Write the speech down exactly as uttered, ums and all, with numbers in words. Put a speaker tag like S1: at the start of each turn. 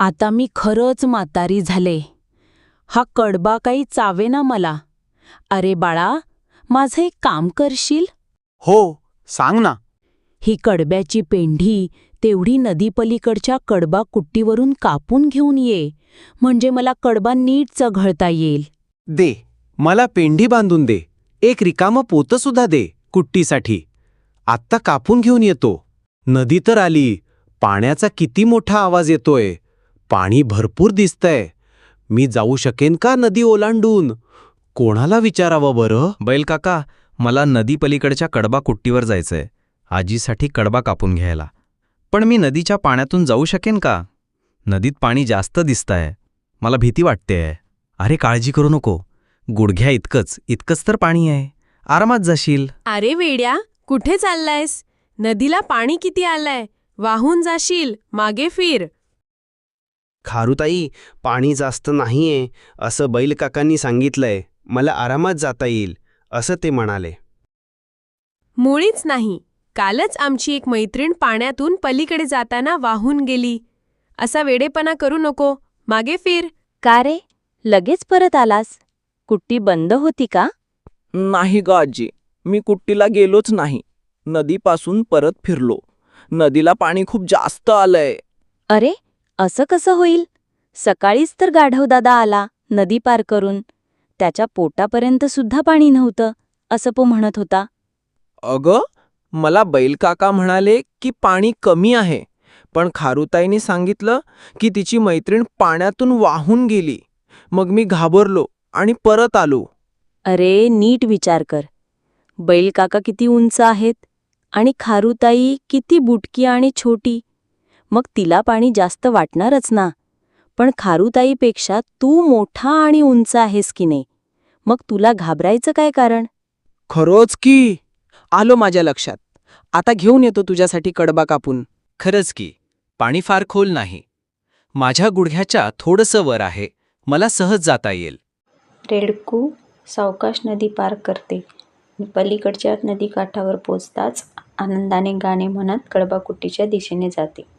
S1: आता मी खरंच म्हातारी झाले. हा कडबा काही चावेना मला. अरे बाळा, माझं एक काम करशील?
S2: हो, सांग ना.
S1: ही कडब्याची पेंढी तेवढी नदीपलीकडच्या कडबा कुट्टीवरून कापून घेऊन ये, म्हणजे मला कडबा नीट चघळता येईल.
S2: दे, मला पेंढी बांधून दे. एक रिकामं पोतं सुद्धा दे कुट्टीसाठी. आत्ता कापून घेऊन येतो. नदी तर आली. पाण्याचा किती मोठा आवाज येतोय. पाणी भरपूर दिसतंय. मी जाऊ शकेन का नदी ओलांडून? कोणाला विचारावं बरं?
S3: बैल काका, मला नदी पलीकडच्या कडबा कुट्टीवर जायचंय, आजीसाठी कडबा कापून घ्यायला. पण मी नदीच्या पाण्यातून जाऊ शकेन का? नदीत पाणी जास्त दिसतंय. मला भीती वाटतेय. अरे काळजी करू नको. गुडघ्या इतकंच इतकंच तर पाणी आहे. आरामात जाशील.
S4: अरे वेड्या, कुठे चाललायस? नदीला पाणी किती आलंय? वाहून जाशील. मागे फिर.
S5: खारुताई, पाणी जास्त नाहीये असं बैल काकांनी सांगितलंय. मला आरामात जाता येईल असं ते म्हणाले.
S4: मुळीच नाही. कालच आमची एक मैत्रीण पाण्यातून पलीकडे जाताना वाहून गेली. असा वेडेपणा करू नको. मागे फिर.
S6: का रे, लगेच परत आलास? कुट्टी बंद होती का?
S7: नाही ग आजी, मी कुट्टीला गेलोच नाही. नदीपासून परत फिरलो. नदीला पाणी खूप जास्त आलंय.
S6: अरे, असं कसं होईल? सकाळीच तर गाढवदादा आला नदी पार करून. त्याच्या पोटापर्यंत सुद्धा पाणी नव्हतं असं तो म्हणत होता.
S7: अगं, मला बैलकाका म्हणाले की पाणी कमी आहे, पण खारुताईने सांगितलं की तिची मैत्रीण पाण्यातून वाहून गेली. मग मी घाबरलो आणि परत आलो.
S6: अरे, नीट विचार कर. बैलकाका किती उंच आहेत आणि खारुताई किती बुटकी आणि छोटी. मग तिला पाणी जास्त वाटणारच ना. पण खारुताईपेक्षा तू मोठा आणि उंच आहेस की नाही, मग तुला घाबरायचं काय कारण?
S7: खरंच की. आलो माझ्या लक्षात. आता घेऊन येतो तुझ्यासाठी कडबा कापून.
S3: खरंच की, पाणी फार खोल नाही. माझ्या गुडघ्याच्या थोडंसं वर आहे. मला सहज जाता येईल.
S8: रेडकू सावकाश नदी पार करते. पलीकडच्या नदीकाठावर पोचताच आनंदाने गाणे म्हणत कडबाकुट्टीच्या दिशेने जाते.